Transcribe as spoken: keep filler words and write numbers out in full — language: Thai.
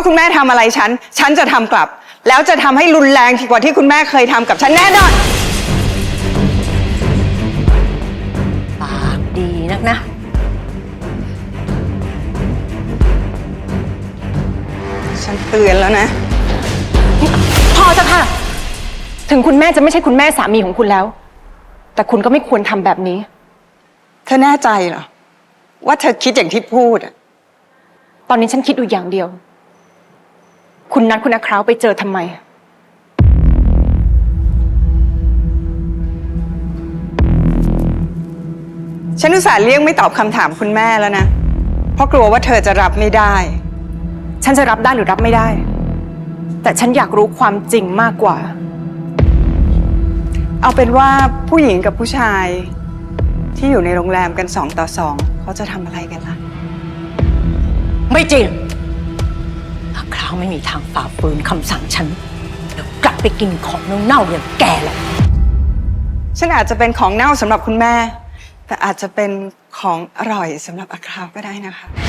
คุณแม่ทำอะไรฉันฉันจะทำกลับแล้วจะทำให้รุนแรงกว่าที่คุณแม่เคยทำกับฉันแน่นอนปากดีนักนะฉันเตือนแล้วนะพอจะค่ะถึงคุณแม่จะไม่ใช่คุณแม่สามีของคุณแล้วแต่คุณก็ไม่ควรทำแบบนี้เธอแน่ใจเหรอว่าเธอคิดอย่างที่พูดอะตอนนี้ฉันคิดอยู่อย่างเดียวคุณนัดคุณอาคราวไปเจอทำไมฉันอุตส่าห์เลี่ยงไม่ตอบคำถามคุณแม่แล้วนะเพราะกลัวว่าเธอจะรับไม่ได้ฉันจะรับได้หรือรับไม่ได้แต่ฉันอยากรู้ความจริงมากกว่าเอาเป็นว่าผู้หญิงกับผู้ชายที่อยู่ในโรงแรมกันสองต่อสองเขาจะทำอะไรกันล่ะไม่จริงอาคราวไม่มีทางฝ่าฝืนคำสั่งฉันแล้วกลับไปกินของเน่าๆอย่างแกหรอกฉันอาจจะเป็นของเน่าสำหรับคุณแม่แต่อาจจะเป็นของอร่อยสำหรับอาคราวก็ได้นะคะ